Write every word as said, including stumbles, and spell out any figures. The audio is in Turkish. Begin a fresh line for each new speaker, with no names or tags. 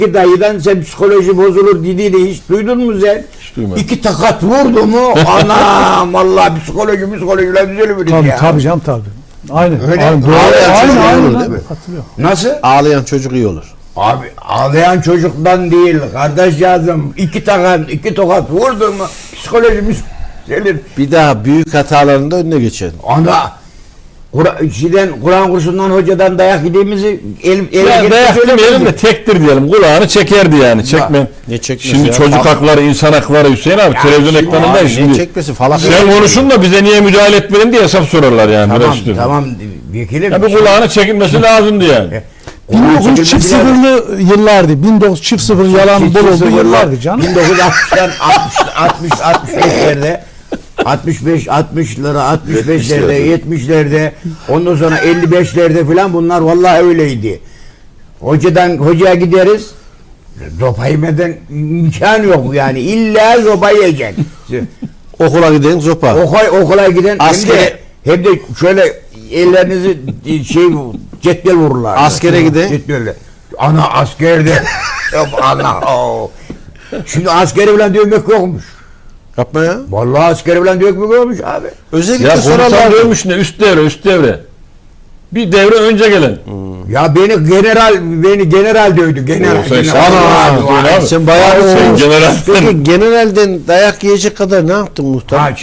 Ki dayıdan sen psikoloji bozulur dediğini hiç duydun mu sen?
Hiç duymadım.
İki takat vurdu mu? Anam vallahi psikoloji psikolojiler düzelir
Tabii
ya.
tabii canım tabii. Aynen.
Öyle.
Aynen. Doğru.
Ağlayan
Aynen
çocuk
aynen.
olur,
aynen.
değil mi?
Hatırlıyorum.
Nasıl?
Ağlayan çocuk iyi olur.
Abi ağlayan çocuktan değil kardeş yazım. İki takat, iki tokat vurdu mu psikolojimiz gelir.
Bir daha büyük hatalarında önüne geçelim.
Ana Kur'an, şeyden, Kur'an kursundan hocadan dayak yediğimizi el, el,
Ya dayak demeyelim de tektir diyelim. Kulağını çekerdi yani. Çekme.
Ne çekmesi
Şimdi
ya?
çocuk hakları, insan hakları Hüseyin abi
Ya
televizyon
şimdi
ekranında
abi,
şimdi.
Ne çekmesi falan.
Sen konuşun da bize niye müdahale etmedin diye hesap sorarlar yani.
Tamam
biraz üstüne.
tamam vekilim.
Ya bir kulağını çekilmesi lazımdı yani.
Kur'an
bin dokuz yüz çift
çekilmesi lazım.
sıfırlı yıllardı. bin dokuz yüz çift sıfır yalan
Çift
bol olduğu
sıfırlar,
yıllardı canım.
bin dokuz yüz altmıştan altmış altmış beşlerde altmış beş altmışlara altmış beşlerde yetmişlerde ondan sonra elli beşlerde filan bunlar vallahi öyleydi. Hocadan hocaya gideriz. Zopa yemeden imkan yok yani. İlla zopa yiyeceksin.
Okula giden zopa.
Okula, okula giden
Askere-
hem de, hem de şöyle ellerinizi şey cetvel vururlar.
Askere giden-
Cetvelle. Ana askerde. Ana. o. Şimdi askeri falan dövmek yokmuş.
Yapma ya.
Vallahi askeri falan dövmek yokmuş abi.
Özellikle
Ya komutan
sorarlar.
diyormuş ne üst devre üst devre. Bir devre önce gelen.
Ya beni general beni general dövdü. General.
Oo, sen
general.
şahane
Abi,
abi.
abi.
Sen bayağı
Sen
o-
general-
Peki generalden dayak yiyecek kadar ne yaptın muhtar?
Ha,